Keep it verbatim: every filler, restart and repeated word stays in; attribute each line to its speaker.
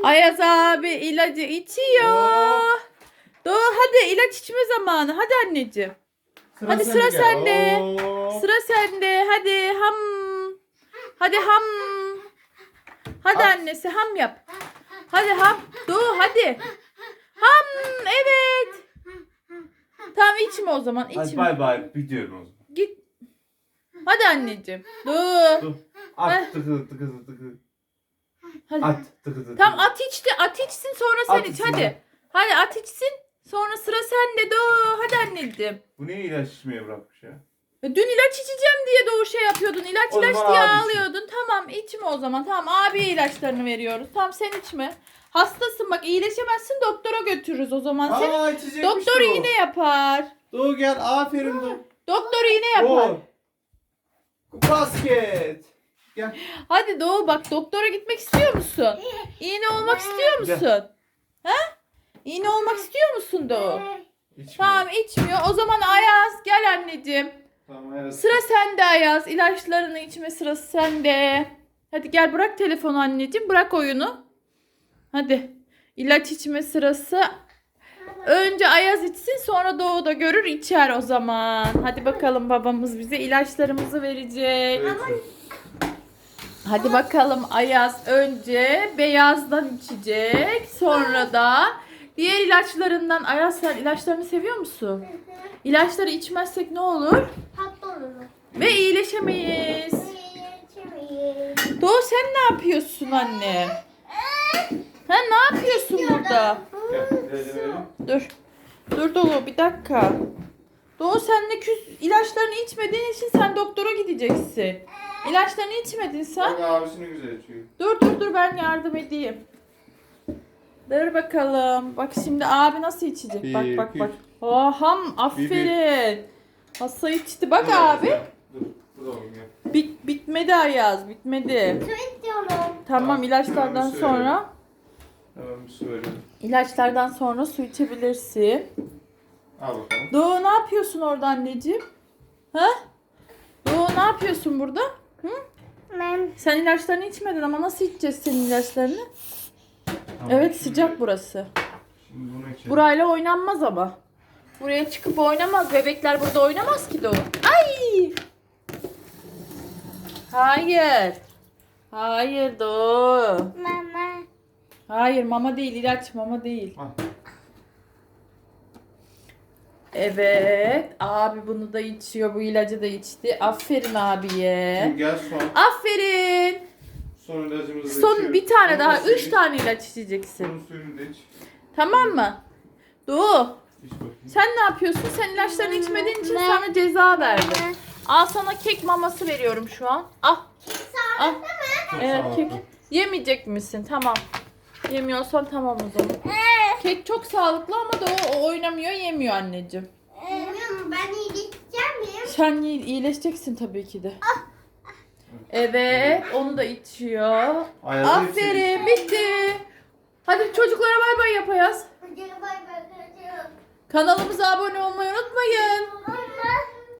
Speaker 1: Ayaz abi ilacı içiyor. Doğu hadi ilaç içme zamanı. Hadi anneciğim.
Speaker 2: Sıra
Speaker 1: Hadi
Speaker 2: sende
Speaker 1: sıra
Speaker 2: gel.
Speaker 1: sende.
Speaker 2: Oo.
Speaker 1: Sıra sende. Hadi ham. Hadi ham. Hadi
Speaker 2: At.
Speaker 1: annesi ham yap. Hadi ham. Doğu hadi. Ham evet. Tamam içme o zaman.
Speaker 2: Hadi
Speaker 1: İçme.
Speaker 2: bay bay. Gidiyorum o zaman.
Speaker 1: Git. Hadi anneciğim. Doğu.
Speaker 2: Dur.
Speaker 1: Heh.
Speaker 2: At tıkı tıkı tıkı.
Speaker 1: Hadi.
Speaker 2: At tıkı tıkı.
Speaker 1: Tamam at içti. At içsin sonra sen
Speaker 2: At
Speaker 1: iç.
Speaker 2: içsin.
Speaker 1: Hadi. Hadi at içsin. Sonra sıra sende Doğu. Hadi anneciğim.
Speaker 2: Bu niye ilaç içmeye bırakmış ya?
Speaker 1: E, Dün ilaç içeceğim diye Doğu şey yapıyordun. İlaç
Speaker 2: O
Speaker 1: ilaç
Speaker 2: zaman
Speaker 1: diye
Speaker 2: abi içsin.
Speaker 1: ağlıyordun. Tamam içme o zaman. Tamam abiye ilaçlarını veriyoruz. Tamam sen içme. Hastasın bak iyileşemezsin doktora götürürüz o zaman. Seni
Speaker 2: Aa içecekmiş
Speaker 1: doktor
Speaker 2: bu.
Speaker 1: iğne yapar.
Speaker 2: Doğu gel. Aferin Doğu.
Speaker 1: Doktor iğne yapar.
Speaker 2: Doğu. Basket. Gel.
Speaker 1: Hadi Doğu bak doktora gitmek istiyor musun? İğne olmak istiyor
Speaker 2: Gel.
Speaker 1: musun? Ha? İğne olmak istiyor musun Doğu?
Speaker 2: İçmiyor.
Speaker 1: Tamam içmiyor. O zaman Ayaz gel anneciğim.
Speaker 2: Tamam. Evet.
Speaker 1: Sıra sende Ayaz. İlaçlarını içme sırası sende. Hadi gel bırak telefonu anneciğim. Bırak oyunu. Hadi. İlaç içme sırası. Önce Ayaz içsin sonra Doğu da görür içer o zaman. Hadi bakalım babamız bize ilaçlarımızı verecek.
Speaker 2: Evet.
Speaker 1: Hadi bakalım Ayaz önce beyazdan içecek. Sonra da diğer ilaçlarından. Ayaz sen ilaçlarını seviyor musun? İlaçları içmezsek ne olur?
Speaker 3: Hasta olurum.
Speaker 1: Ve iyileşemeyiz.
Speaker 3: Geçemeyiz.
Speaker 1: Doğu sen ne yapıyorsun anne? Ha ne yapıyorsun burada?
Speaker 2: Gel. Gel, gel.
Speaker 1: Dur. Dur Doğu bir dakika. Doğu sen de küs ilaçlarını içmediğin için sen doktora gideceksin. İlaçlarını içmedin sen.
Speaker 2: Bak abisini güzel içiyor.
Speaker 1: Dur dur dur ben yardım edeyim. Dur bakalım. Bak şimdi abi nasıl içecek?
Speaker 2: Bir,
Speaker 1: Bak bak
Speaker 2: iki,
Speaker 1: bak.
Speaker 2: üç.
Speaker 1: Oh ham aferin. Hassa içti. Bak abi.
Speaker 2: Dur. Dur oğlum gel.
Speaker 1: Bit bitmedi Ayaz bitmedi.
Speaker 3: Su istiyorum.
Speaker 1: Tamam
Speaker 2: Tamam,
Speaker 1: ilaçlardan
Speaker 2: hemen bir su
Speaker 1: sonra
Speaker 2: Tamam bir su verelim.
Speaker 1: ilaçlardan sonra su içebilirsin.
Speaker 2: Al bakalım.
Speaker 1: Doğu ne yapıyorsun orada anneciğim? Ha? Doğu ne yapıyorsun burada? Hı?
Speaker 3: Ben
Speaker 1: Sen ilaçlarını içmedin ama nasıl içeceğiz senin ilaçlarını?
Speaker 2: Tamam,
Speaker 1: Evet
Speaker 2: şimdi-
Speaker 1: sıcak burası.
Speaker 2: Şimdi bunu içelim.
Speaker 1: Burayla oynanmaz ama. Buraya çıkıp oynamaz. Bebekler burada oynamaz ki Doğu. Ay! Hayır. Hayır Doğu.
Speaker 3: mama.
Speaker 1: Hayır mama değil ilaç mama değil.
Speaker 2: Al.
Speaker 1: Evet. Abi bunu da içiyor. Bu ilacı da içti. Aferin abiye.
Speaker 2: Şimdi gel son.
Speaker 1: Aferin.
Speaker 2: Son ilacımızı da
Speaker 1: Son
Speaker 2: içiyoruz.
Speaker 1: bir tane
Speaker 2: Bunun
Speaker 1: daha.
Speaker 2: suyunu
Speaker 1: Üç
Speaker 2: iç.
Speaker 1: tane ilaç içeceksin.
Speaker 2: Bunun suyunu da iç.
Speaker 1: Tamam mı? Doğu.
Speaker 2: İç bakayım.
Speaker 1: Sen ne yapıyorsun? Sen ilaçlarını içmediğin için sana ceza verdim. Al sana kek maması veriyorum şu an. Al. Al.
Speaker 2: Çok
Speaker 1: Evet
Speaker 2: sağlıklı.
Speaker 1: kek. Yemeyecek misin? Tamam. Yemiyorsan tamam o zaman. Kek çok sağlıklı ama da o, o oynamıyor, yemiyor anneciğim.
Speaker 3: Bilmiyorum ben iyileşeceğim miyim?
Speaker 1: Sen iyi- iyileşeceksin tabii ki de. Evet, onu da içiyor.
Speaker 2: Ayaz'ı
Speaker 1: Aferin, bitti. Hadi çocuklara bay bay yap Ayaz.
Speaker 3: Hadi bay bay.
Speaker 1: Kanalımıza abone olmayı unutmayın.
Speaker 3: Bay bay.